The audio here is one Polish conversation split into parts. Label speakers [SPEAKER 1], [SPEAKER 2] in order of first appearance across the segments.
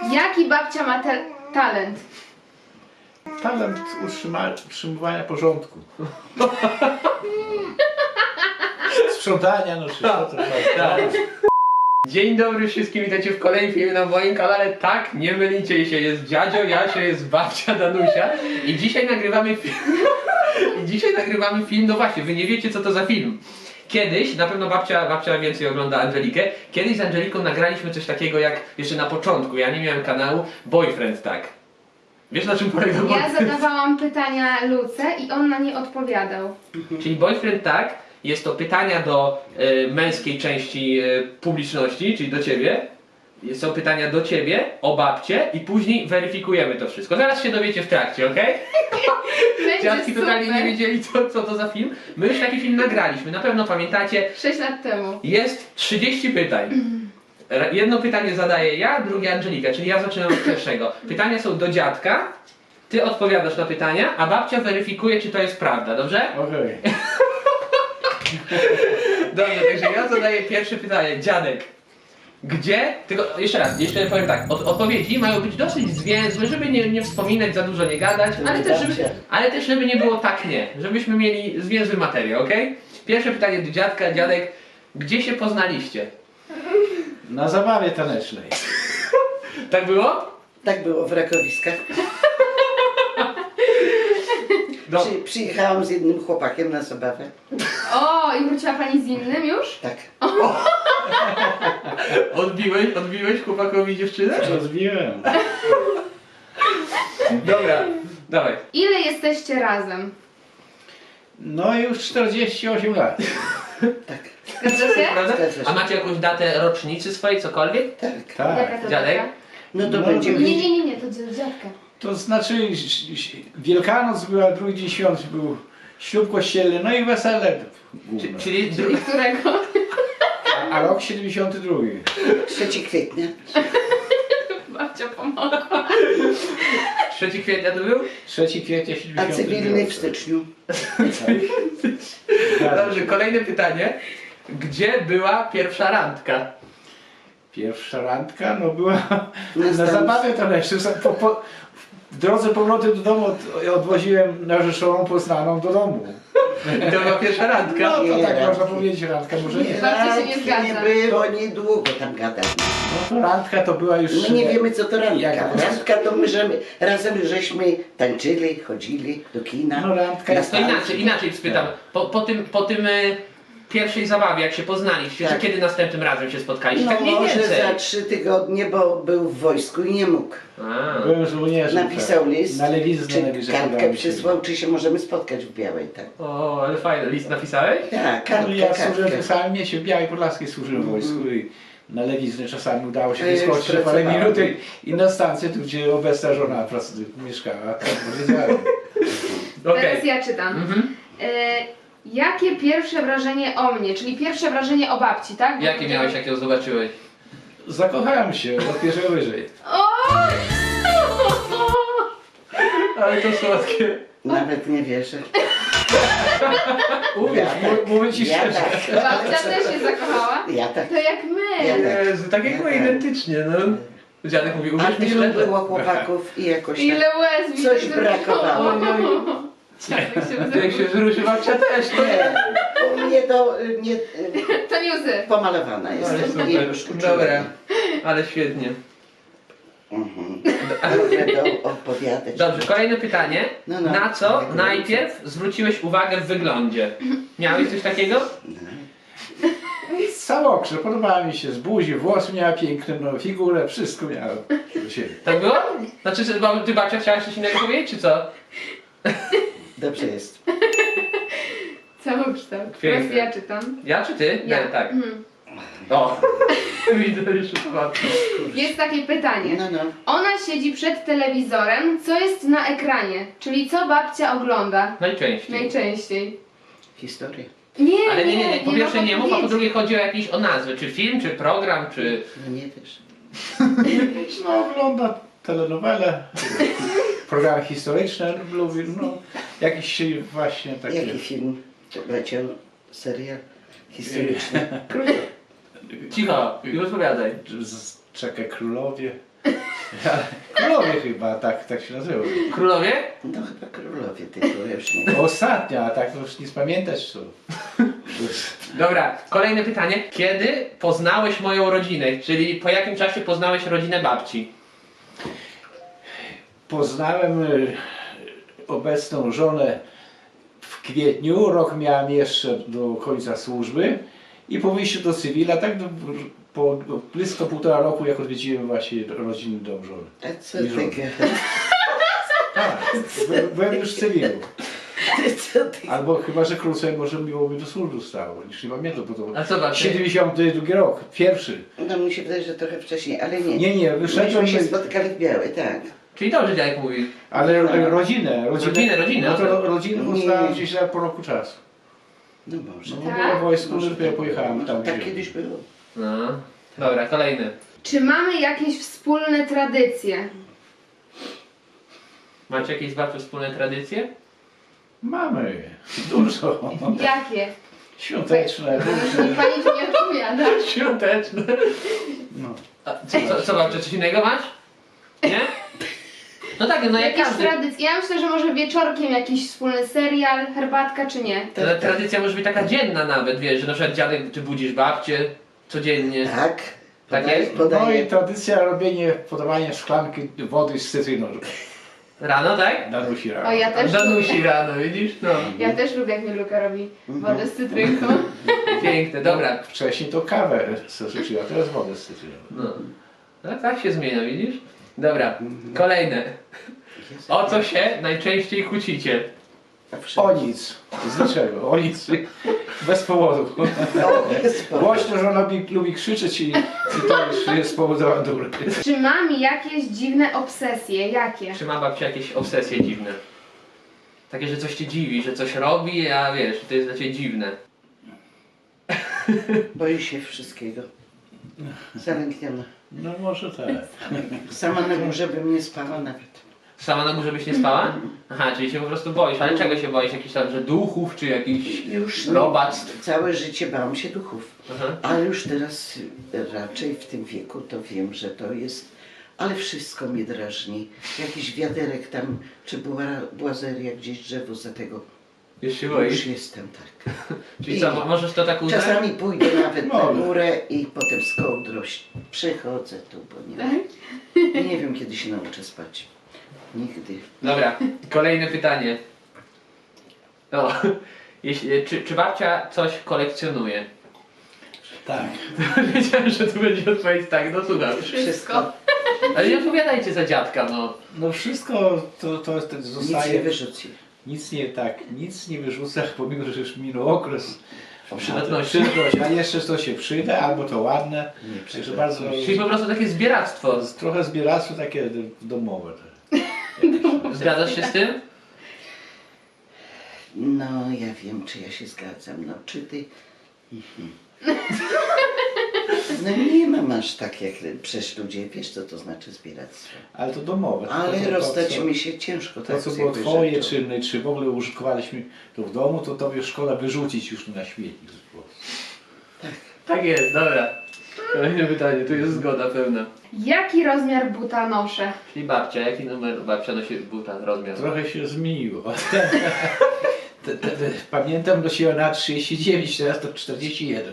[SPEAKER 1] Jaki babcia ma talent?
[SPEAKER 2] Talent utrzymywania porządku. Sprzątania, no czy to
[SPEAKER 3] Tak. Dzień dobry wszystkim, witajcie w kolejnym filmie na moim kanale. Tak, nie mylicie się, jest dziadzio Jasio, jest babcia Danusia i dzisiaj nagrywamy film. No właśnie, wy nie wiecie co to za film. Kiedyś, na pewno babcia więcej ogląda Angelikę, kiedyś z Angeliką nagraliśmy coś takiego jak, jeszcze na początku, ja nie miałem kanału, Boyfriend tak. Wiesz na czym polega
[SPEAKER 1] Ja
[SPEAKER 3] Boyfriend?
[SPEAKER 1] zadawałam pytania Luce i on na nie odpowiadał.
[SPEAKER 3] Czyli Boyfriend tak, jest to pytania do męskiej części publiczności, czyli do ciebie. Są pytania do ciebie, o babcie i później weryfikujemy to wszystko. Zaraz się dowiecie w trakcie, okej?
[SPEAKER 1] Będzie
[SPEAKER 3] Dziadki totalnie
[SPEAKER 1] super.
[SPEAKER 3] nie wiedzieli co to za film. My już taki film nagraliśmy, na pewno pamiętacie.
[SPEAKER 1] 6 lat temu.
[SPEAKER 3] Jest 30 pytań. Jedno pytanie zadaję ja, drugie Angelika, czyli ja zaczynam od pierwszego. Pytania są do dziadka, ty odpowiadasz na pytania, a babcia weryfikuje, czy to jest prawda, dobrze?
[SPEAKER 2] Okej.
[SPEAKER 3] Dobrze, także ja zadaję pierwsze pytanie. Dziadek, gdzie, tylko jeszcze raz, jeszcze powiem tak, odpowiedzi mają być dosyć zwięzłe, żeby nie wspominać, za dużo nie gadać, ale też żeby nie było tak nie, żebyśmy mieli zwięzły materiał, okej? Pierwsze pytanie do dziadka, dziadek, gdzie się poznaliście?
[SPEAKER 2] Na zabawie tanecznej.
[SPEAKER 3] Tak było?
[SPEAKER 4] Tak było w Rakowiskach.
[SPEAKER 3] No,
[SPEAKER 4] Przyjechałam z jednym chłopakiem na zabawę.
[SPEAKER 1] O, i wróciła pani z innym już?
[SPEAKER 4] Tak.
[SPEAKER 3] odbiłeś chłopakowi dziewczynę?
[SPEAKER 2] Rozbiłem.
[SPEAKER 3] Dobra, dawaj.
[SPEAKER 1] Ile jesteście razem?
[SPEAKER 2] No już 48 lat.
[SPEAKER 4] Tak.
[SPEAKER 1] Zgadza się?
[SPEAKER 3] Prawda?
[SPEAKER 4] Zgadza się.
[SPEAKER 3] A macie jakąś datę rocznicy swojej, cokolwiek?
[SPEAKER 4] Tak.
[SPEAKER 2] Tak.
[SPEAKER 1] Jaka to
[SPEAKER 3] Dziadek?
[SPEAKER 1] data?
[SPEAKER 4] No to
[SPEAKER 2] No,
[SPEAKER 4] będzie
[SPEAKER 1] Nie, to dziadka.
[SPEAKER 2] To znaczy Wielkanoc była, drugi dzień świąt był ślub kościelny, no i wesele główne.
[SPEAKER 3] Czyli
[SPEAKER 1] Czyli którego?
[SPEAKER 2] A rok 72.
[SPEAKER 4] 3 kwietnia.
[SPEAKER 1] Babcia pomogła.
[SPEAKER 3] 3 kwietnia to był?
[SPEAKER 2] 3 kwietnia
[SPEAKER 4] A
[SPEAKER 2] 72.
[SPEAKER 4] cywilny w styczniu.
[SPEAKER 3] Dobrze, kolejne pytanie. Gdzie była pierwsza randka?
[SPEAKER 2] Pierwsza randka, no była
[SPEAKER 4] Na
[SPEAKER 2] na
[SPEAKER 4] stanie.
[SPEAKER 2] zabawie tanecznej. W drodze powrotem do domu odwoziłem narzeczoną poznaną do domu.
[SPEAKER 3] I to była pierwsza randka?
[SPEAKER 2] No to
[SPEAKER 4] Nie,
[SPEAKER 2] tak
[SPEAKER 4] randki.
[SPEAKER 2] można powiedzieć, randka może nie.
[SPEAKER 1] Babcia się nie
[SPEAKER 4] Randki
[SPEAKER 1] zgadza.
[SPEAKER 4] nie było, niedługo tam gadać.
[SPEAKER 2] No to randka to była już...
[SPEAKER 4] My nie wiemy co to randka.
[SPEAKER 2] Jak-
[SPEAKER 4] Randka to my razem żeśmy tańczyli, chodzili do kina.
[SPEAKER 2] No, randka
[SPEAKER 4] na
[SPEAKER 2] jest-
[SPEAKER 3] To
[SPEAKER 4] stacji.
[SPEAKER 3] inaczej spytam. Po tym pierwszej zabawie, jak się poznaliście,
[SPEAKER 4] Tak.
[SPEAKER 3] to kiedy następnym razem się spotkaliście?
[SPEAKER 4] No
[SPEAKER 3] Tak mniej
[SPEAKER 4] może
[SPEAKER 3] więcej.
[SPEAKER 4] za 3 tygodnie, bo był w wojsku i nie mógł.
[SPEAKER 3] A.
[SPEAKER 2] Byłem żołnierzem.
[SPEAKER 4] Napisał
[SPEAKER 2] tak.
[SPEAKER 4] list,
[SPEAKER 2] Na lewiznę
[SPEAKER 4] czy
[SPEAKER 2] najwyżej
[SPEAKER 4] kartkę
[SPEAKER 2] podałem się.
[SPEAKER 4] przysłał, czy się możemy spotkać w Białej, tak.
[SPEAKER 3] O, ale fajny. List napisałeś?
[SPEAKER 4] Tak,
[SPEAKER 2] No,
[SPEAKER 4] kartkę,
[SPEAKER 2] ja służyłem
[SPEAKER 4] kartkę.
[SPEAKER 2] w samym mieście w Białej Podlaskiej, służyłem w wojsku i na lewiznę czasami udało się
[SPEAKER 4] A ja już
[SPEAKER 2] wyskoczyć na parę
[SPEAKER 4] pracowałem.
[SPEAKER 2] minut i na stację, tu gdzie obecna żona mieszkała, tak powiedziałem.
[SPEAKER 3] Okej.
[SPEAKER 1] Teraz ja czytam.
[SPEAKER 3] Mhm.
[SPEAKER 1] Jakie pierwsze wrażenie o mnie, czyli pierwsze wrażenie o babci, tak?
[SPEAKER 3] Jakie miałeś, jak ją zobaczyłeś?
[SPEAKER 2] Zakochałem się od pierwszego wyżej.
[SPEAKER 1] O!
[SPEAKER 3] Ale to słodkie.
[SPEAKER 4] Nawet nie wierzę.
[SPEAKER 2] Uwierz, mówię ci
[SPEAKER 4] Ja
[SPEAKER 2] szczerze.
[SPEAKER 4] tak.
[SPEAKER 1] Babcia też się zakochała?
[SPEAKER 4] Ja tak.
[SPEAKER 1] To jak my.
[SPEAKER 4] Ja tak.
[SPEAKER 3] Jezu, tak jak my identycznie, no. Dziadek mówi,
[SPEAKER 4] A
[SPEAKER 3] uwierz mi
[SPEAKER 4] tylu
[SPEAKER 3] szczerze.
[SPEAKER 4] było chłopaków i jakoś tak.
[SPEAKER 1] Ile łez mi
[SPEAKER 4] Coś
[SPEAKER 1] się
[SPEAKER 4] brakowało.
[SPEAKER 1] Dziadek się
[SPEAKER 3] Jak się wzruszy babcia też, to
[SPEAKER 4] Nie, u mnie to nie,
[SPEAKER 1] To nie łzy.
[SPEAKER 4] pomalowana
[SPEAKER 3] Ale
[SPEAKER 4] jestem.
[SPEAKER 3] super.
[SPEAKER 4] I już uczułem.
[SPEAKER 3] Dobra, ale świetnie.
[SPEAKER 4] Mhm. Mogę to opowiadać.
[SPEAKER 3] Dobrze, kolejne pytanie.
[SPEAKER 4] No, no.
[SPEAKER 3] Na co najpierw zwróciłeś uwagę w wyglądzie? Miałeś coś takiego?
[SPEAKER 2] Samokrze, podobała mi się z buzi, włosy miała piękne, no, figurę, wszystko miała do siebie.
[SPEAKER 3] Tak było? Znaczy, ty babcia chciałaś coś innego powiedzieć, czy co?
[SPEAKER 4] Dobrze jest.
[SPEAKER 1] Całokształt.
[SPEAKER 3] Piękne.
[SPEAKER 1] Teraz ja czytam.
[SPEAKER 3] Ja czy ty?
[SPEAKER 1] Ja.
[SPEAKER 3] Nie, tak.
[SPEAKER 1] Mhm.
[SPEAKER 3] O, widzę już babci.
[SPEAKER 1] Jest takie pytanie.
[SPEAKER 4] No, no.
[SPEAKER 1] Ona siedzi przed telewizorem, co jest na ekranie? Czyli co babcia ogląda
[SPEAKER 3] Najczęściej.
[SPEAKER 1] najczęściej?
[SPEAKER 4] Historia.
[SPEAKER 1] Nie,
[SPEAKER 3] Ale nie. Po pierwsze
[SPEAKER 1] ma
[SPEAKER 3] nie mów, a po
[SPEAKER 1] podpowiedzi.
[SPEAKER 3] drugie chodzi o nazwę. Czy film, czy program, czy...
[SPEAKER 4] No nie wiesz.
[SPEAKER 2] No, ogląda telenowele, programy historyczne, lubi, no, jakieś właśnie takie...
[SPEAKER 4] Jaki film leciał? Serial historyczny?
[SPEAKER 3] Cicho, i rozpowiadaj.
[SPEAKER 2] Czekaj, królowie. Królowie chyba, tak się nazywa.
[SPEAKER 3] Królowie?
[SPEAKER 4] No chyba królowie, tylko już nie.
[SPEAKER 2] Ostatnia, a tak to już nic pamiętać co.
[SPEAKER 3] Dobra, kolejne pytanie. Kiedy poznałeś moją rodzinę? Czyli po jakim czasie poznałeś rodzinę babci?
[SPEAKER 2] Poznałem obecną żonę w kwietniu, rok miałem jeszcze do końca służby i po wyjściu do cywila, tak po blisko 1,5 roku, jak odwiedziłem właśnie rodzinny dom żony.
[SPEAKER 4] A co
[SPEAKER 2] I
[SPEAKER 4] ty
[SPEAKER 2] żony.
[SPEAKER 4] gadasz?
[SPEAKER 2] Tak, byłem już w cywilu.
[SPEAKER 4] Co ty?
[SPEAKER 2] Albo chyba, że krócej może miłoby do służby stało, już nie pamiętam, bo to
[SPEAKER 3] A co babcia?
[SPEAKER 2] 72 rok, pierwszy.
[SPEAKER 4] No mi się wydaje, że trochę wcześniej, ale nie.
[SPEAKER 2] Nie, wyszedłem,
[SPEAKER 4] Myśmy się spotykali w Białej, tak.
[SPEAKER 3] Czyli dobrze dziadek mówi.
[SPEAKER 2] ale rodzinę,
[SPEAKER 3] Rodzinę,
[SPEAKER 2] no
[SPEAKER 3] no
[SPEAKER 2] to
[SPEAKER 3] to-
[SPEAKER 2] rodzinę
[SPEAKER 4] Nie.
[SPEAKER 2] poznałem gdzieś po roku czasu.
[SPEAKER 4] No może.
[SPEAKER 2] No,
[SPEAKER 1] Tak?
[SPEAKER 2] było wojsku,
[SPEAKER 4] Może
[SPEAKER 2] że
[SPEAKER 4] tak
[SPEAKER 2] ja pojechałem tam.
[SPEAKER 4] Tak
[SPEAKER 2] gdzie-
[SPEAKER 4] kiedyś było.
[SPEAKER 3] No. Dobra, kolejny.
[SPEAKER 1] Czy mamy jakieś wspólne tradycje?
[SPEAKER 3] Macie jakieś z babcią wspólne tradycje?
[SPEAKER 2] Mamy, dużo.
[SPEAKER 1] Jakie?
[SPEAKER 2] Świąteczne,
[SPEAKER 1] Niech pani ci nie odpowiada.
[SPEAKER 3] Świąteczne.
[SPEAKER 2] no.
[SPEAKER 3] A co babcia, coś innego masz? Nie? No tak, no jak
[SPEAKER 1] Jakieś
[SPEAKER 3] każdy.
[SPEAKER 1] tradycje? Ja myślę, że może wieczorkiem jakiś wspólny serial, herbatka czy nie?
[SPEAKER 3] Ta tradycja może być taka dzienna nawet, wiesz, że na przykład dziadek, ty budzisz babcię codziennie.
[SPEAKER 4] Tak.
[SPEAKER 3] Tak
[SPEAKER 4] Podaj-
[SPEAKER 3] jest?
[SPEAKER 2] No i
[SPEAKER 4] Podaję.
[SPEAKER 2] tradycja podawania szklanki wody z cytryną.
[SPEAKER 3] Rano, tak?
[SPEAKER 2] Danusi rano.
[SPEAKER 1] O, ja też
[SPEAKER 3] Danusi
[SPEAKER 1] lubię.
[SPEAKER 3] rano, widzisz? No.
[SPEAKER 1] Ja też lubię, jak mi Luka robi wodę z cytrynką.
[SPEAKER 3] Piękne, dobra.
[SPEAKER 2] Wcześniej to kawę stosuję, a teraz wodę z cytryną.
[SPEAKER 3] No. No tak się zmienia, widzisz? Dobra, kolejne. O co się najczęściej kłócicie?
[SPEAKER 2] O nic, z niczego, o nic. Bez powodu. Głośno, że ona lubi krzyczeć i to już jest powód awantury.
[SPEAKER 1] Czy mam jakieś dziwne obsesje? Jakie?
[SPEAKER 3] Czy ma babcia jakieś obsesje dziwne? Takie, że coś cię dziwi, że coś robi, a wiesz, to jest dla ciebie dziwne.
[SPEAKER 4] Boi się wszystkiego. Zalękniona.
[SPEAKER 2] No może tak.
[SPEAKER 4] Sama na górze bym nie spała nawet.
[SPEAKER 3] Sama na górze byś nie spała? Aha, czyli się po prostu boisz. Ale czego się boisz? Jakichś tam, że duchów, czy jakichś
[SPEAKER 4] Już nie.
[SPEAKER 3] robactw?
[SPEAKER 4] Całe życie bałam się duchów.
[SPEAKER 3] Aha.
[SPEAKER 4] Ale już teraz raczej w tym wieku to wiem, że to jest. Ale wszystko mnie drażni. Jakiś wiaderek tam, czy błazeria, gdzieś drzewo za tego.
[SPEAKER 3] Już się
[SPEAKER 4] Już
[SPEAKER 3] boisz?
[SPEAKER 4] jestem tak.
[SPEAKER 3] Czyli co, możesz to tak uznać?
[SPEAKER 4] Czasami pójdę nawet na
[SPEAKER 2] Mogę.
[SPEAKER 4] górę i potem z kołdrą przychodzę tu, bo
[SPEAKER 1] Tak?
[SPEAKER 4] nie wiem kiedy się nauczę spać. Nigdy.
[SPEAKER 3] Dobra, kolejne pytanie. No, czy babcia coś kolekcjonuje?
[SPEAKER 2] Tak.
[SPEAKER 3] Wiedziałem, że tu będzie odpowiedź tak, no słucham.
[SPEAKER 1] Wszystko.
[SPEAKER 3] Ale nie odpowiadajcie za dziadka, no.
[SPEAKER 2] No wszystko to
[SPEAKER 4] Nic nie
[SPEAKER 2] zostaje.
[SPEAKER 4] wyrzuci.
[SPEAKER 2] Nic nie wyrzucę, pomimo że już minął okres.
[SPEAKER 3] Przydatności.
[SPEAKER 2] A jeszcze to się przyda, albo to ładne.
[SPEAKER 4] Nie
[SPEAKER 2] Także bardzo.
[SPEAKER 3] Czyli po prostu takie zbieractwo.
[SPEAKER 2] Trochę zbieractwo takie domowe.
[SPEAKER 3] Zgadzasz się z tym?
[SPEAKER 4] No ja wiem, czy ja się zgadzam. No czy ty... No nie mam aż tak jak przecież ludzie, wiesz co to znaczy zbieractwo.
[SPEAKER 2] Ale to domowe.
[SPEAKER 4] Ale
[SPEAKER 2] to,
[SPEAKER 4] rozstać
[SPEAKER 2] co-
[SPEAKER 4] mi się ciężko.
[SPEAKER 2] To
[SPEAKER 4] tak
[SPEAKER 2] co
[SPEAKER 4] z
[SPEAKER 2] było
[SPEAKER 4] jakąś
[SPEAKER 2] twoje,
[SPEAKER 4] rzeczą.
[SPEAKER 2] czy w ogóle użytkowaliśmy to w domu, to tobie szkoda wyrzucić już na śmietnik.
[SPEAKER 3] Tak jest, dobra. Kolejne pytanie, tu jest zgoda pełna.
[SPEAKER 1] Jaki rozmiar buta noszę?
[SPEAKER 3] Czyli babcia, jaki numer babcia nosi buta, rozmiar?
[SPEAKER 2] Trochę się zmieniło. Pamiętam, nosiła na 39, teraz to 41.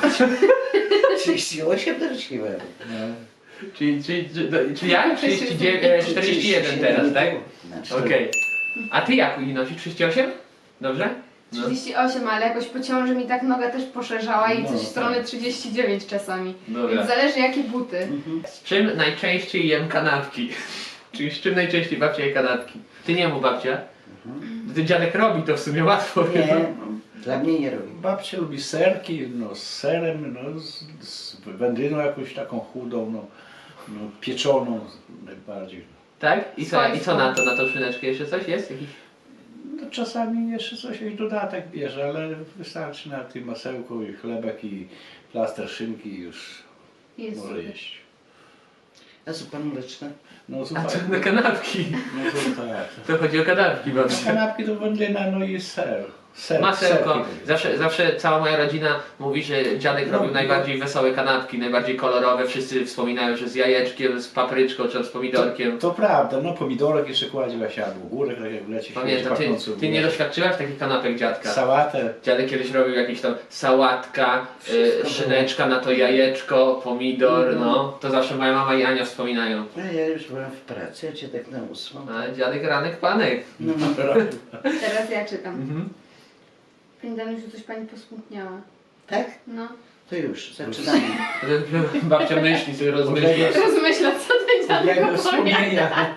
[SPEAKER 4] 38 nosiłem.
[SPEAKER 2] No.
[SPEAKER 3] Czy jak? 41 teraz, tak? Okej. A ty jak nosisz? 38? Dobrze? No.
[SPEAKER 1] 38, ale jakoś po ciąży mi tak noga też poszerzała i
[SPEAKER 2] No,
[SPEAKER 1] coś w
[SPEAKER 2] tak.
[SPEAKER 1] stronę 39 czasami.
[SPEAKER 3] Dobra.
[SPEAKER 1] Więc zależy jakie buty.
[SPEAKER 3] Z czym najczęściej jem kanapki? Czyli z czym najczęściej babcia je kanapki? Ty nie mów babcia. Ty dziadek robi to w sumie łatwo.
[SPEAKER 4] Nie, dla mnie nie robi.
[SPEAKER 2] Babcia lubi serki, no z serem, no z wędliną jakąś taką chudą, no pieczoną najbardziej.
[SPEAKER 3] Tak? I co na to? Na tą szyneczkę jeszcze coś jest? Jakiś...
[SPEAKER 2] No, czasami jeszcze coś, jakiś dodatek bierze, ale wystarczy na tym masełku i chlebek i plaster szynki i już
[SPEAKER 1] Jest.
[SPEAKER 2] może jeść.
[SPEAKER 4] A zupa mleczna?
[SPEAKER 2] No
[SPEAKER 3] A
[SPEAKER 2] słuchaj,
[SPEAKER 3] co na kanapki?
[SPEAKER 2] no to tak.
[SPEAKER 3] To chodzi o kanapki
[SPEAKER 2] No,
[SPEAKER 3] babcia.
[SPEAKER 2] kanapki to wędlina, no i ser.
[SPEAKER 3] Masełko.
[SPEAKER 2] Serki.
[SPEAKER 3] Zawsze cała moja rodzina mówi, że dziadek
[SPEAKER 2] No,
[SPEAKER 3] robił najbardziej wesołe kanapki, najbardziej kolorowe. Wszyscy wspominają, że z jajeczkiem, z papryczką czy z pomidorkiem.
[SPEAKER 2] To prawda, no pomidorek jeszcze kładzie właśnie albo górek, tak jak leci.
[SPEAKER 3] Pamiętam, ty nie doświadczyłaś takich kanapek dziadka?
[SPEAKER 2] Sałatę.
[SPEAKER 3] Dziadek kiedyś robił jakieś tam sałatka,
[SPEAKER 4] Wszystko
[SPEAKER 3] szyneczka na to jajeczko, pomidor, no. To zawsze moja mama i Ania wspominają.
[SPEAKER 4] A ja już byłam w pracy, a cię tak na 8.
[SPEAKER 3] A dziadek ranek panek.
[SPEAKER 4] No,
[SPEAKER 1] Teraz ja czytam.
[SPEAKER 3] Mhm.
[SPEAKER 1] Pani Danusiu, coś pani posmutniała.
[SPEAKER 4] tak?
[SPEAKER 1] No.
[SPEAKER 4] To już, zaczynamy.
[SPEAKER 3] Babcia myśli, sobie rozmyśla.
[SPEAKER 1] Rozmyśla, co ten dziadek
[SPEAKER 2] Jego
[SPEAKER 1] opowiada.
[SPEAKER 2] wspomnienia.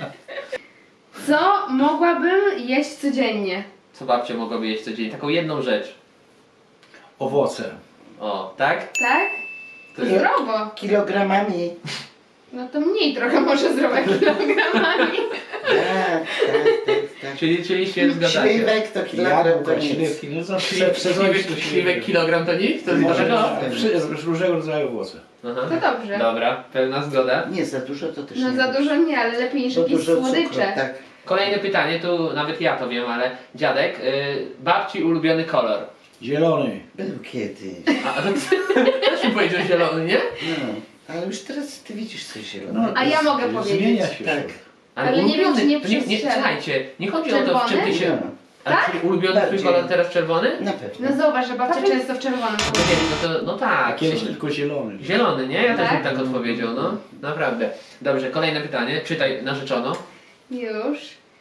[SPEAKER 1] Co mogłabym jeść codziennie?
[SPEAKER 3] Co babcia mogłaby jeść codziennie? Taką jedną rzecz.
[SPEAKER 2] Owoce.
[SPEAKER 3] O, tak?
[SPEAKER 1] Tak?
[SPEAKER 3] To
[SPEAKER 1] To
[SPEAKER 3] jest...
[SPEAKER 1] zdrowo.
[SPEAKER 4] Kilogramami.
[SPEAKER 1] No to mniej trochę może zdrowe kilogramami.
[SPEAKER 4] Tak.
[SPEAKER 3] Czyli się zgadzacie.
[SPEAKER 4] Śliwek to kilogram to
[SPEAKER 2] Jabłka,
[SPEAKER 4] nic.
[SPEAKER 2] śliwki, no co w sezonie
[SPEAKER 3] Śliwek kilogram to nic? To jest
[SPEAKER 2] Może
[SPEAKER 3] dlaczego?
[SPEAKER 2] różnego rodzaju owoce.
[SPEAKER 3] Aha.
[SPEAKER 1] To dobrze.
[SPEAKER 3] Dobra, pełna zgoda.
[SPEAKER 4] Nie za dużo to też
[SPEAKER 1] No
[SPEAKER 4] nie
[SPEAKER 1] za
[SPEAKER 4] dobrze.
[SPEAKER 1] dużo nie, ale lepiej niż
[SPEAKER 4] Za
[SPEAKER 1] jakieś
[SPEAKER 4] dużo cukru,
[SPEAKER 1] słodycze.
[SPEAKER 4] tak.
[SPEAKER 3] Kolejne pytanie, tu nawet ja to wiem, ale dziadek, babci ulubiony kolor.
[SPEAKER 2] Zielony.
[SPEAKER 4] Był kiedyś.
[SPEAKER 3] A to też mi powiedział zielony, nie?
[SPEAKER 4] No, ale już teraz ty widzisz coś
[SPEAKER 2] No,
[SPEAKER 4] zielonego.
[SPEAKER 1] A ja mogę
[SPEAKER 2] zmienia
[SPEAKER 1] powiedzieć.
[SPEAKER 2] się.
[SPEAKER 4] Tak.
[SPEAKER 1] Ale nie wiem, czy nie
[SPEAKER 3] to nie,
[SPEAKER 1] przestrzelę.
[SPEAKER 3] słuchajcie, nie chodzi o to, w czym ty się...
[SPEAKER 4] No,
[SPEAKER 3] Ale
[SPEAKER 1] Tak?
[SPEAKER 3] czy ulubiony twój
[SPEAKER 4] Bardziej.
[SPEAKER 3] kolor teraz czerwony?
[SPEAKER 4] na pewno.
[SPEAKER 1] No zauważ, że babcia często w czerwonym
[SPEAKER 3] No,
[SPEAKER 1] chodzi.
[SPEAKER 3] no
[SPEAKER 2] A
[SPEAKER 3] tak.
[SPEAKER 2] kiedyś
[SPEAKER 3] w sumie.
[SPEAKER 2] tylko zielony.
[SPEAKER 3] Zielony, nie? Ja też bym
[SPEAKER 1] Tak?
[SPEAKER 3] tak odpowiedział, no. Naprawdę. Dobrze, kolejne pytanie. Czytaj, narzeczono.
[SPEAKER 1] Już.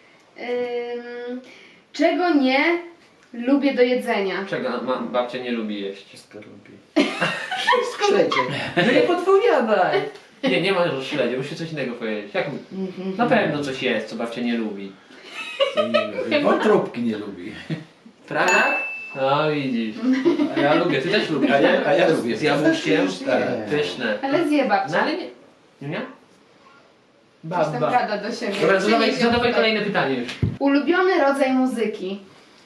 [SPEAKER 1] Czego nie lubię do jedzenia?
[SPEAKER 3] Czego babcia nie lubi jeść?
[SPEAKER 4] Wszystko lubi. Śledzie.
[SPEAKER 3] No nie podpowiadaj! Nie ma że śledzie, musi coś innego powiedzieć. Jak... Na pewno coś jest, co babcia nie lubi.
[SPEAKER 2] Wątróbki nie lubi.
[SPEAKER 3] Prawda? No widzisz. A ja lubię, ty też lubisz.
[SPEAKER 2] A ja lubię.
[SPEAKER 3] Z jabłuszkiem?
[SPEAKER 4] Tak.
[SPEAKER 3] Pyszne.
[SPEAKER 1] Ale zje
[SPEAKER 3] No
[SPEAKER 1] babcia.
[SPEAKER 3] ale nie... Nie?
[SPEAKER 1] Coś tam gada do siebie.
[SPEAKER 3] Dobra,
[SPEAKER 1] Przynieś ją
[SPEAKER 3] zadawaj
[SPEAKER 1] tutaj.
[SPEAKER 3] kolejne pytanie już.
[SPEAKER 1] Ulubiony rodzaj muzyki.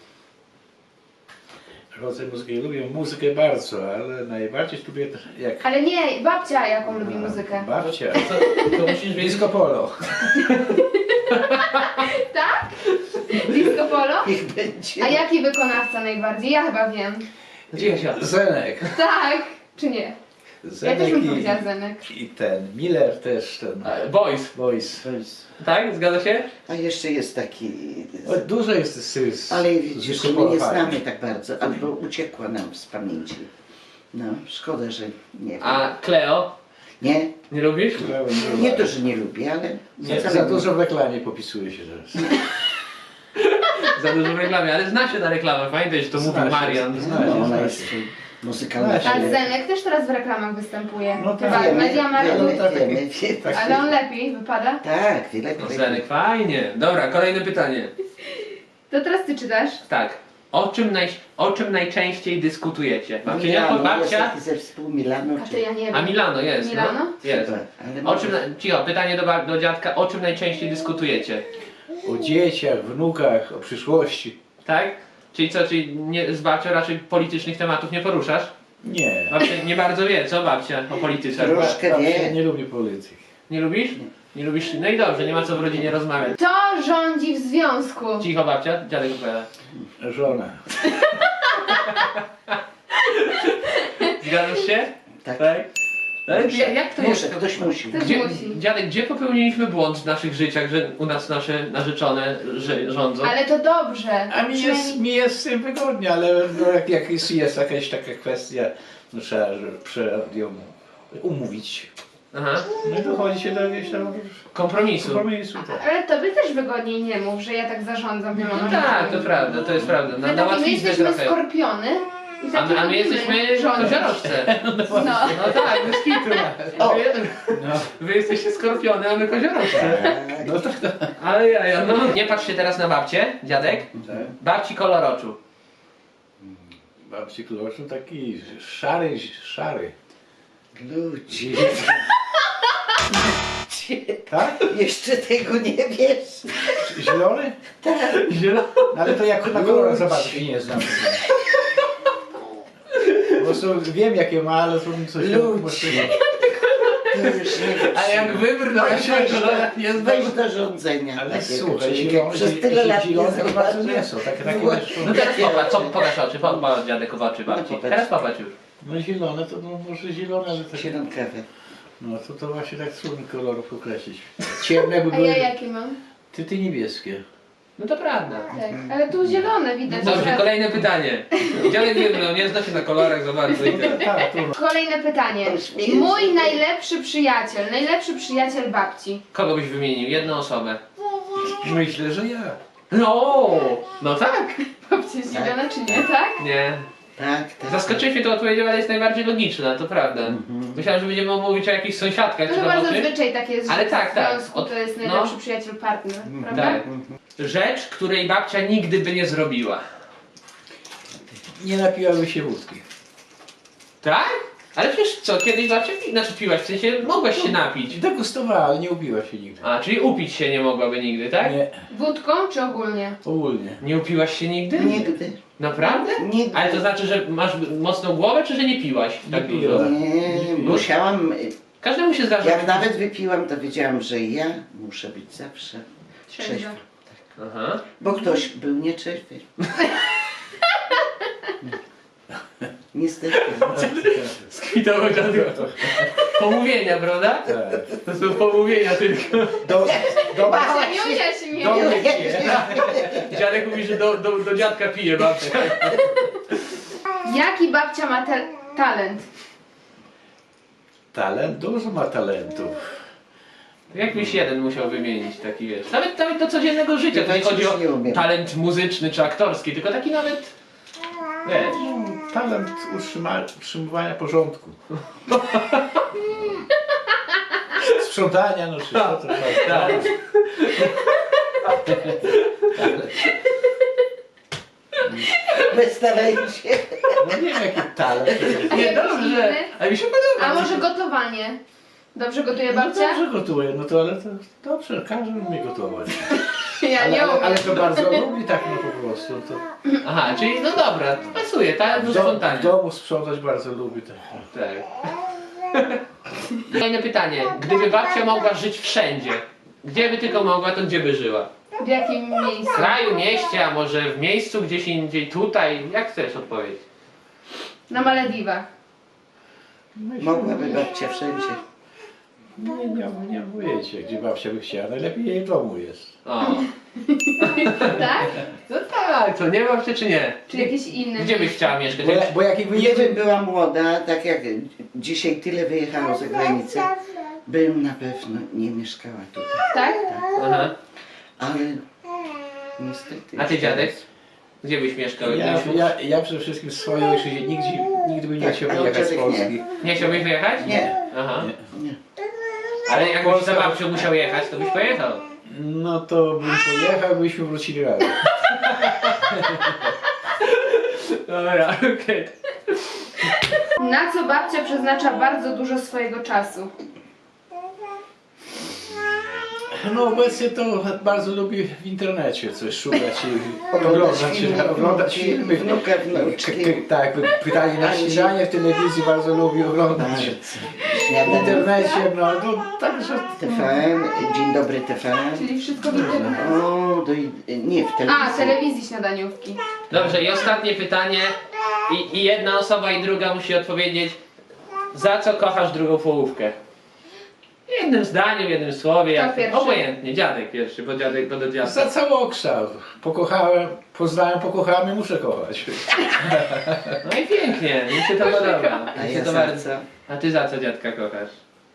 [SPEAKER 2] Rodzaj muzyki. Lubię muzykę bardzo, ale najbardziej lubię jak
[SPEAKER 1] Ale nie, babcia jaką lubi muzykę.
[SPEAKER 2] babcia.
[SPEAKER 3] To musisz wiedzieć.
[SPEAKER 2] Disco polo.
[SPEAKER 1] Tak? Disco polo?
[SPEAKER 4] Niech będzie.
[SPEAKER 1] A jaki wykonawca najbardziej? Ja chyba wiem.
[SPEAKER 3] Cicho się.
[SPEAKER 2] Zenek.
[SPEAKER 1] Tak, czy nie? Ja też
[SPEAKER 2] Zenek
[SPEAKER 1] bym powiedziała Zenek.
[SPEAKER 2] i ten Miller też ten.
[SPEAKER 3] Boys.
[SPEAKER 2] Voice.
[SPEAKER 3] Tak? Zgadza się?
[SPEAKER 4] A jeszcze jest taki...
[SPEAKER 2] O, dużo jest z
[SPEAKER 4] Ale widzisz,
[SPEAKER 2] disco
[SPEAKER 4] my
[SPEAKER 2] polo
[SPEAKER 4] nie
[SPEAKER 2] fajnych.
[SPEAKER 4] znamy tak bardzo, albo uciekła nam z pamięci. No, szkoda, że nie wiem.
[SPEAKER 3] A Cleo?
[SPEAKER 4] Nie,
[SPEAKER 3] Nie lubisz?
[SPEAKER 4] nie to, że nie lubię, ale
[SPEAKER 2] Nie,
[SPEAKER 4] wcale
[SPEAKER 2] za
[SPEAKER 4] nie.
[SPEAKER 2] dużo w reklamie popisuje się teraz.
[SPEAKER 3] Za dużo w reklamie, ale zna się na reklamę. Pamiętaj, że to
[SPEAKER 2] Zna
[SPEAKER 3] mówił
[SPEAKER 2] się,
[SPEAKER 3] Marian.
[SPEAKER 2] zna.
[SPEAKER 4] No, ona
[SPEAKER 2] Zna
[SPEAKER 4] jest
[SPEAKER 2] się.
[SPEAKER 4] muzykalna.
[SPEAKER 2] Zna się.
[SPEAKER 1] A Zenek też teraz w reklamach występuje.
[SPEAKER 2] No tak.
[SPEAKER 1] Chyba
[SPEAKER 2] Wiemy,
[SPEAKER 1] Media Markt.
[SPEAKER 4] wiemy.
[SPEAKER 2] tak.
[SPEAKER 1] Ale on lepiej wypada.
[SPEAKER 4] Tak, wiele
[SPEAKER 3] No Zenek, fajnie. Dobra, kolejne pytanie.
[SPEAKER 1] To teraz ty czytasz.
[SPEAKER 3] Tak. O czym najczęściej dyskutujecie? Babcia,
[SPEAKER 4] Milano, jest
[SPEAKER 3] babcia?
[SPEAKER 4] taki zespół Milano.
[SPEAKER 1] A to ja nie wiem.
[SPEAKER 3] A Milano jest.
[SPEAKER 1] Milano?
[SPEAKER 3] No? Jest.
[SPEAKER 4] Ale
[SPEAKER 3] O czym, cicho, pytanie do dziadka. O czym najczęściej dyskutujecie?
[SPEAKER 2] O dzieciach, wnukach, o przyszłości.
[SPEAKER 3] Tak? Czyli co, czyli nie, z babcią raczej politycznych tematów nie poruszasz?
[SPEAKER 2] Nie.
[SPEAKER 3] Babcia nie bardzo wie, co babcia o polityce?
[SPEAKER 4] Troszkę
[SPEAKER 2] Babcia
[SPEAKER 4] wie.
[SPEAKER 2] nie lubi polityki.
[SPEAKER 3] Nie lubisz? Nie lubisz? No i dobrze, nie ma co w rodzinie rozmawiać.
[SPEAKER 1] Kto rządzi w związku?
[SPEAKER 3] Cicho babcia, dziadek opowiada.
[SPEAKER 2] Żona.
[SPEAKER 3] Zgadzasz się?
[SPEAKER 4] Tak.
[SPEAKER 3] Ale
[SPEAKER 4] Muszę.
[SPEAKER 3] jak to
[SPEAKER 4] Muszę,
[SPEAKER 3] jest?
[SPEAKER 4] ktoś musi.
[SPEAKER 1] Też
[SPEAKER 3] Gdzie,
[SPEAKER 1] musi.
[SPEAKER 3] dziadek, gdzie popełniliśmy błąd w naszych życiach, że u nas nasze narzeczone rządzą?
[SPEAKER 1] Ale to dobrze.
[SPEAKER 2] A mi jest z tym wygodnie, ale no, jak jest jakaś taka kwestia, no, trzeba ją umówić.
[SPEAKER 3] Aha,
[SPEAKER 2] No i dochodzi się do jakiegoś tam
[SPEAKER 3] kompromisu.
[SPEAKER 2] kompromisu. Tak.
[SPEAKER 1] Ale tobie też wygodniej nie mów, że ja tak zarządzam wieloma
[SPEAKER 3] No tak,
[SPEAKER 1] rzeczami.
[SPEAKER 3] to prawda, to jest prawda. Na
[SPEAKER 1] My
[SPEAKER 3] łatwiznę
[SPEAKER 1] jesteśmy
[SPEAKER 3] trochę.
[SPEAKER 1] skorpiony i
[SPEAKER 3] A
[SPEAKER 1] takie
[SPEAKER 3] my
[SPEAKER 1] lubimy
[SPEAKER 3] jesteśmy
[SPEAKER 1] rządzić.
[SPEAKER 3] koziorożce.
[SPEAKER 1] No.
[SPEAKER 3] No tak, bez kitu.
[SPEAKER 4] O.
[SPEAKER 2] No,
[SPEAKER 3] Wy jesteście skorpiony, a my koziorożce.
[SPEAKER 4] Tak.
[SPEAKER 2] no tak, tak.
[SPEAKER 3] Ale ja, no. Nie patrz się teraz na babcię, dziadek.
[SPEAKER 2] Tak.
[SPEAKER 3] Babci kolor oczu.
[SPEAKER 2] Babci Kloszu taki szary.
[SPEAKER 4] Ludzie.
[SPEAKER 2] Tak?
[SPEAKER 4] Jeszcze tego nie wiesz.
[SPEAKER 2] Zielony?
[SPEAKER 3] Zielony.
[SPEAKER 2] No, ale to jak na kolorach zobaczyć się nie znam. Po prostu wiem jakie ma, ale to coś
[SPEAKER 4] Ludzie. To już nie
[SPEAKER 3] A jak wybrnął się w kolorach nie
[SPEAKER 4] Weź
[SPEAKER 3] zdał.
[SPEAKER 4] do rządzenia.
[SPEAKER 2] Ale
[SPEAKER 4] takiego
[SPEAKER 2] słuchaj,
[SPEAKER 4] człowieka. Przez tyle lat nie
[SPEAKER 2] zielone to bardzo
[SPEAKER 4] zobaczył.
[SPEAKER 2] nie są. Takie
[SPEAKER 3] No teraz pokaż oczy, popatrz dziadek w oczy babci.
[SPEAKER 4] popatrz.
[SPEAKER 3] Teraz popatrz już.
[SPEAKER 2] no zielone to no, może zielone, ale takie...
[SPEAKER 4] Zielonkawe.
[SPEAKER 2] No to właśnie tak trudno kolorów określić. Ciemne by
[SPEAKER 1] A
[SPEAKER 2] były...
[SPEAKER 1] ja jakie mam?
[SPEAKER 2] Ty niebieskie.
[SPEAKER 3] No to prawda.
[SPEAKER 1] Tak, ale tu zielone widać.
[SPEAKER 3] Dobrze,
[SPEAKER 1] że-
[SPEAKER 3] kolejne pytanie. Dziadek wybrnął, nie zna się na kolorach za bardzo i tyle.
[SPEAKER 2] Tak, tu.
[SPEAKER 1] Kolejne pytanie. Mój najlepszy przyjaciel babci.
[SPEAKER 3] Kogo byś wymienił? Jedną osobę.
[SPEAKER 2] Myślę, że ja.
[SPEAKER 3] No tak.
[SPEAKER 1] Babcia jest zdziwiona czy nie, tak?
[SPEAKER 3] Nie.
[SPEAKER 4] Tak, tak.
[SPEAKER 3] Zaskoczyłeś mnie tą odpowiedzią, ale jest najbardziej logiczna, to prawda. Myślałem, że będziemy mówić o jakichś sąsiadkach
[SPEAKER 1] To
[SPEAKER 3] czy
[SPEAKER 1] chyba
[SPEAKER 3] tam o czymś.
[SPEAKER 1] zazwyczaj tak jest,
[SPEAKER 3] Ale
[SPEAKER 1] że
[SPEAKER 3] tak,
[SPEAKER 1] w
[SPEAKER 3] tak.
[SPEAKER 1] związku
[SPEAKER 3] Od-
[SPEAKER 1] to jest
[SPEAKER 3] no.
[SPEAKER 1] najlepszy przyjaciel partner, prawda?
[SPEAKER 3] Tak. Rzecz, której babcia nigdy by nie zrobiła.
[SPEAKER 2] Nie napiłaby się wódki.
[SPEAKER 3] Tak? Ale przecież co, kiedyś babcia piłaś, w sensie mogłaś się napić.
[SPEAKER 2] Degustowała, ale nie upiła się nigdy.
[SPEAKER 3] A, czyli upić się nie mogłaby nigdy, tak?
[SPEAKER 2] Nie,
[SPEAKER 1] Wódką czy ogólnie?
[SPEAKER 2] ogólnie.
[SPEAKER 3] Nie upiłaś się nigdy?
[SPEAKER 4] Nigdy.
[SPEAKER 3] Naprawdę?
[SPEAKER 4] Nigdy.
[SPEAKER 3] Ale to znaczy, że masz mocną głowę, czy że nie piłaś tak
[SPEAKER 2] Nie
[SPEAKER 3] dużo?
[SPEAKER 2] piłem.
[SPEAKER 4] Nie, musiałam...
[SPEAKER 3] Każdemu się zdarza.
[SPEAKER 4] Jak nawet wypiłam, to wiedziałam, że ja muszę być zawsze
[SPEAKER 1] Trzeźwa.
[SPEAKER 4] trzeźwa.
[SPEAKER 3] Aha.
[SPEAKER 4] Bo ktoś był nieczęśwy. Niestety.
[SPEAKER 3] Skwitował dziadek. Pomówienia, prawda?
[SPEAKER 2] Tak.
[SPEAKER 3] To są pomówienia tylko.
[SPEAKER 1] Babcia nie ujaśni
[SPEAKER 2] do
[SPEAKER 1] mnie.
[SPEAKER 2] mnie pije.
[SPEAKER 3] Dziadek mówi, że do dziadka pije babcia.
[SPEAKER 1] Jaki babcia ma talent?
[SPEAKER 2] Talent? Dużo ma talentów.
[SPEAKER 3] Jakbyś jeden musiał wymienić taki, wiesz. Nawet do codziennego życia. To nie
[SPEAKER 4] Ja
[SPEAKER 3] chodzi o
[SPEAKER 4] już nie umiem.
[SPEAKER 3] talent muzyczny czy aktorski, tylko taki nawet, wiesz.
[SPEAKER 2] Talent utrzymywania porządku. Sprzątania, no czy co to
[SPEAKER 3] Tak.
[SPEAKER 4] Bez talencie.
[SPEAKER 2] No nie wiem jaki talent.
[SPEAKER 3] Nie,
[SPEAKER 1] jakiś
[SPEAKER 3] dobrze,
[SPEAKER 1] inny?
[SPEAKER 3] ale mi się podoba.
[SPEAKER 1] A może gotowanie? Dobrze gotuje
[SPEAKER 2] No
[SPEAKER 1] babcia?
[SPEAKER 2] dobrze gotuję, no to ale to dobrze, każdy umie gotować.
[SPEAKER 1] Ja nie umiem.
[SPEAKER 2] Ale to bardzo lubi tak no po prostu. To
[SPEAKER 3] Aha, czyli no dobra, to pasuje, talent do
[SPEAKER 2] w
[SPEAKER 3] sprzątania.
[SPEAKER 2] domu sprzątać bardzo lubi. Tak.
[SPEAKER 3] Tak. Kolejne pytanie. Gdyby babcia mogła żyć wszędzie, gdzie by tylko mogła, to gdzie by żyła?
[SPEAKER 1] W jakim
[SPEAKER 3] W
[SPEAKER 1] miejscu?
[SPEAKER 3] kraju, mieście, a może w miejscu gdzieś indziej, tutaj? Jak chcesz odpowiedzieć?
[SPEAKER 1] Na Malediwach.
[SPEAKER 4] Mogłaby babcia wszędzie.
[SPEAKER 2] Nie mówicie, gdzie babcia by chciała. Najlepiej jej w domu jest.
[SPEAKER 3] O.
[SPEAKER 1] Tak?
[SPEAKER 3] No tak, to nie babcia czy nie?
[SPEAKER 1] Czy jakieś inne?
[SPEAKER 3] Gdzie byś chciała mieszkać?
[SPEAKER 2] Bo jak jej
[SPEAKER 4] Gdybym
[SPEAKER 2] wyjedzie...
[SPEAKER 4] była młoda, tak jak dzisiaj tyle wyjechało za granicę, bym na pewno nie mieszkała tutaj.
[SPEAKER 1] Tak?
[SPEAKER 3] Aha.
[SPEAKER 4] Ale niestety...
[SPEAKER 3] A ty dziadek? Gdzie byś mieszkał?
[SPEAKER 2] Ja przede wszystkim w swojej ojczyźnie nigdy bym nie
[SPEAKER 4] Tak,
[SPEAKER 2] chciał
[SPEAKER 4] ale
[SPEAKER 2] wyjechać z
[SPEAKER 4] dziadek
[SPEAKER 2] Polski.
[SPEAKER 4] nie.
[SPEAKER 3] Nie chciałbyś wyjechać?
[SPEAKER 4] Nie.
[SPEAKER 3] Aha.
[SPEAKER 4] Nie.
[SPEAKER 3] Ale jakbyś za babcią musiał jechać, to byś pojechał.
[SPEAKER 2] No to bym pojechał, byśmy wrócili razem.
[SPEAKER 3] Dobra, okej.
[SPEAKER 1] Na co babcia przeznacza bardzo dużo swojego czasu?
[SPEAKER 2] No obecnie to bardzo lubię w internecie coś szukać i oglądać filmy.
[SPEAKER 4] Wnuka, wnuczki.
[SPEAKER 2] Tak, pytanie na śniadanie w telewizji bardzo lubię oglądać. W
[SPEAKER 4] Śniadanie.
[SPEAKER 2] internecie, no to także...
[SPEAKER 4] TVN, Dzień dobry TVN.
[SPEAKER 1] Czyli wszystko do tego.
[SPEAKER 4] O, nie, w telewizji.
[SPEAKER 1] A, telewizji śniadaniówki.
[SPEAKER 3] Dobrze, i ostatnie pytanie. I jedna osoba i druga musi odpowiedzieć, za co kochasz drugą połówkę? Jednym zdaniem, jednym słowie, jak
[SPEAKER 1] pierwszy?
[SPEAKER 3] obojętnie. Dziadek pierwszy, bo dziadek do dziadka.
[SPEAKER 2] Za całokształt. Poznałem, pokochałem i muszę kochać.
[SPEAKER 3] No i pięknie, mi się to podoba.
[SPEAKER 4] A
[SPEAKER 3] Mi się
[SPEAKER 4] ja
[SPEAKER 3] to
[SPEAKER 4] za
[SPEAKER 3] bardzo.
[SPEAKER 4] co?
[SPEAKER 3] A ty za co dziadka kochasz?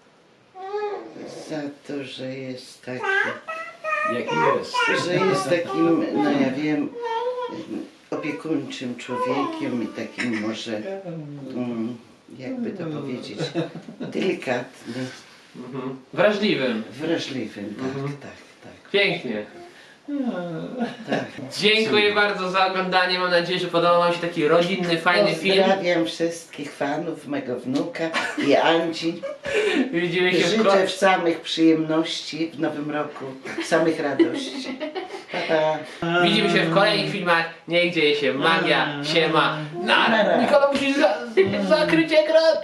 [SPEAKER 4] Za to, że jest taki,
[SPEAKER 2] Jaki jest.
[SPEAKER 4] że jest takim, no ja wiem, opiekuńczym człowiekiem i takim może, jakby to powiedzieć, delikatnym,
[SPEAKER 3] Wrażliwym.
[SPEAKER 4] wrażliwym, tak.
[SPEAKER 3] Pięknie.
[SPEAKER 4] Tak.
[SPEAKER 3] Dziękuję bardzo za oglądanie. Mam nadzieję, że podobał Wam się taki rodzinny, fajny film.
[SPEAKER 4] Pozdrawiam wszystkich fanów mego wnuka i Andzi.
[SPEAKER 3] Widzimy się w
[SPEAKER 4] Życzę samych przyjemności w nowym roku, samych radości. Pa, pa.
[SPEAKER 3] Widzimy się w kolejnych filmach. Niech dzieje się magia, siema. Nara. Nikola musi zakryć ekran.